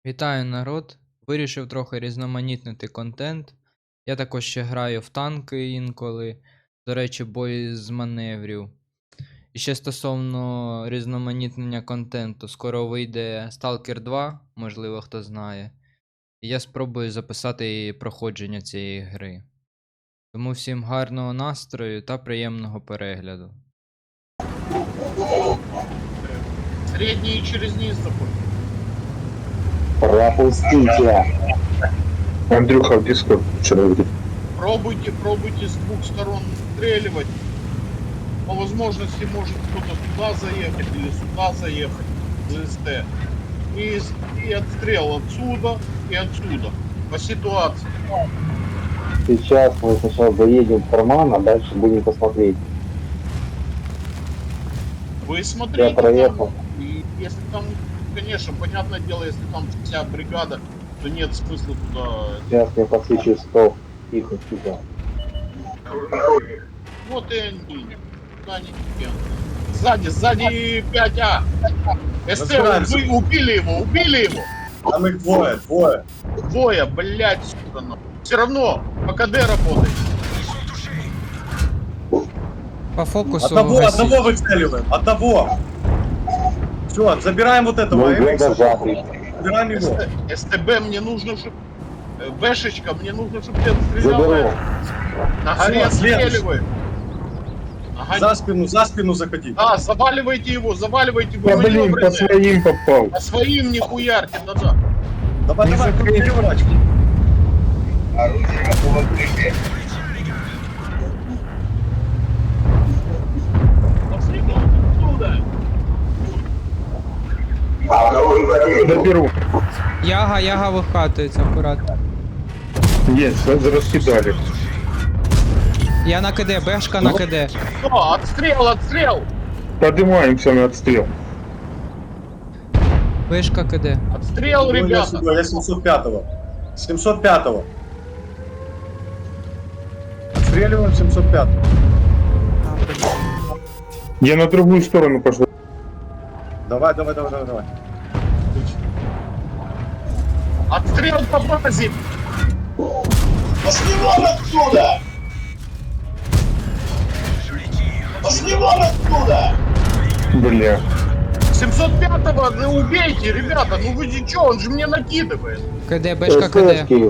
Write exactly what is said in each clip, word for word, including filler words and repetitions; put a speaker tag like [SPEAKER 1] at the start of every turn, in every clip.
[SPEAKER 1] Вітаю, народ! Вирішив трохи різноманітнити контент. Я також ще граю в танки інколи, до речі, бої з маневрів. І ще стосовно різноманітнення контенту, скоро вийде Сталкер два, можливо, хто знає. І я спробую записати проходження цієї гри. Тому всім гарного настрою та приємного перегляду.
[SPEAKER 2] Средний через низ такой.
[SPEAKER 3] Пропустите.
[SPEAKER 4] Андрюха в дискорд вчера говорит.
[SPEAKER 2] Пробуйте, пробуйте с двух сторон стреливать. По возможности может кто-то туда заехать или сюда заехать. ЗСТ. И, и отстрел отсюда и отсюда. По ситуации.
[SPEAKER 3] Сейчас мы сначала заедем в карман, а дальше будем посмотреть.
[SPEAKER 2] Вы смотрите.
[SPEAKER 3] Я проехал.
[SPEAKER 2] Там, и если там, конечно, понятное дело, если там вся бригада, то нет смысла туда.
[SPEAKER 3] Сейчас я подсвечу сто. Тихо, тихо.
[SPEAKER 2] Вот и они. Куда они идут? Сзади, сзади пять А. СТ, вы убили его, убили его.
[SPEAKER 5] Там их двое, двое.
[SPEAKER 2] Двое, блядь, сюда нахуй. Все равно, по КД работает.
[SPEAKER 1] По фокусу
[SPEAKER 5] Одного,
[SPEAKER 1] гасіть.
[SPEAKER 5] одного выцеливаем, одного. Все, забираем вот этого.
[SPEAKER 3] Ну,
[SPEAKER 5] Эмикса.
[SPEAKER 3] зажатый.
[SPEAKER 5] Забираем его.
[SPEAKER 2] СТ, СТБ мне нужно, чтобы... Бэшечка, мне нужно, чтобы ты отстрелял.
[SPEAKER 3] Заберу.
[SPEAKER 2] На горе
[SPEAKER 5] Всё, следующий.
[SPEAKER 2] отстреливай. На горе-
[SPEAKER 5] За спину, за спину заходи.
[SPEAKER 2] Да, заваливайте его, заваливайте, вы
[SPEAKER 4] Да блин, по
[SPEAKER 2] маневренные.
[SPEAKER 4] своим попал.
[SPEAKER 2] По своим не хуярьте, да-да.
[SPEAKER 5] Давай,
[SPEAKER 4] Не
[SPEAKER 5] давай,
[SPEAKER 4] закрыть.
[SPEAKER 5] переворачивай.
[SPEAKER 2] Пошли оттуда.
[SPEAKER 4] Доберу.
[SPEAKER 1] Яга, яга вихатується, акуратно.
[SPEAKER 4] Есть, раскидали.
[SPEAKER 1] Я на КД, бешка на КД.
[SPEAKER 2] Все, отстрел, отстрел.
[SPEAKER 4] Поднимаемся на отстрел.
[SPEAKER 1] Вишка КД.
[SPEAKER 2] Отстрел,
[SPEAKER 5] Ну, я
[SPEAKER 2] ребята.
[SPEAKER 5] сюда, я семьсот пятого. семьсот пятого. Отстреливаем семьсот пятого.
[SPEAKER 4] Я на другую сторону пошел.
[SPEAKER 5] Давай, давай, давай, давай, давай.
[SPEAKER 2] Отстрел по базе. Пошли вон отсюда. Пошли вон отсюда.
[SPEAKER 4] Бля.
[SPEAKER 2] семьсот пятого, ну убейте, ребята, ну вы че, он же мне накидывает.
[SPEAKER 1] КД, бешка КД.
[SPEAKER 3] СТшки.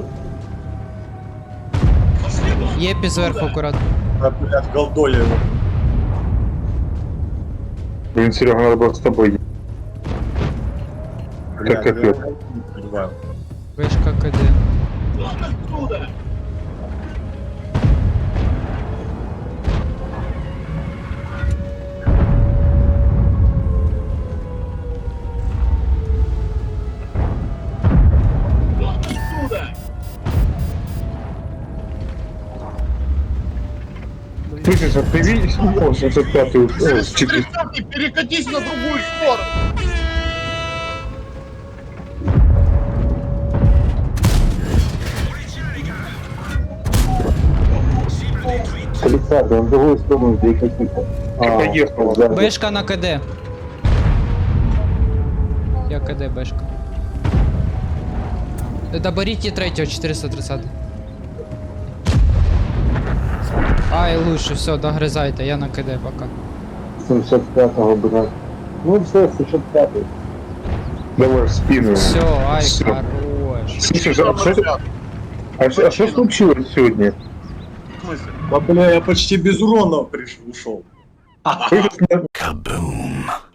[SPEAKER 1] Єпі зверху акуратно.
[SPEAKER 5] А, блядь, голдоли его.
[SPEAKER 4] Блин, Серега, надо было с тобой.
[SPEAKER 5] Блядь,
[SPEAKER 4] капец.
[SPEAKER 5] я не понимаю.
[SPEAKER 1] Вишка КД.
[SPEAKER 2] Отсюда. Отсюда.
[SPEAKER 4] Слышишь, а ты видишь? О, семьсот пятый. О, с четыре-
[SPEAKER 2] тридцатый, перекатись на другую сторону.
[SPEAKER 3] Александр, на другую сторону перекатите. А,
[SPEAKER 4] поехала.
[SPEAKER 3] сзади.
[SPEAKER 1] Бешка на КД. Я КД, бешка. Доберіть і третього, чотириста тридцять. Ай, лучше, все, догризайте, я на КД пока.
[SPEAKER 3] семьсот пятого, блядь. Ну все, семьсот пятый.
[SPEAKER 4] Давай в спину.
[SPEAKER 1] Все, ай,
[SPEAKER 4] Всё.
[SPEAKER 1] хорош.
[SPEAKER 4] Слышишь, а что, а что, а что случилось сегодня?
[SPEAKER 2] В смысле?
[SPEAKER 5] Да, бля, я почти без урона пришел, ушел.
[SPEAKER 4] Слышишь, на-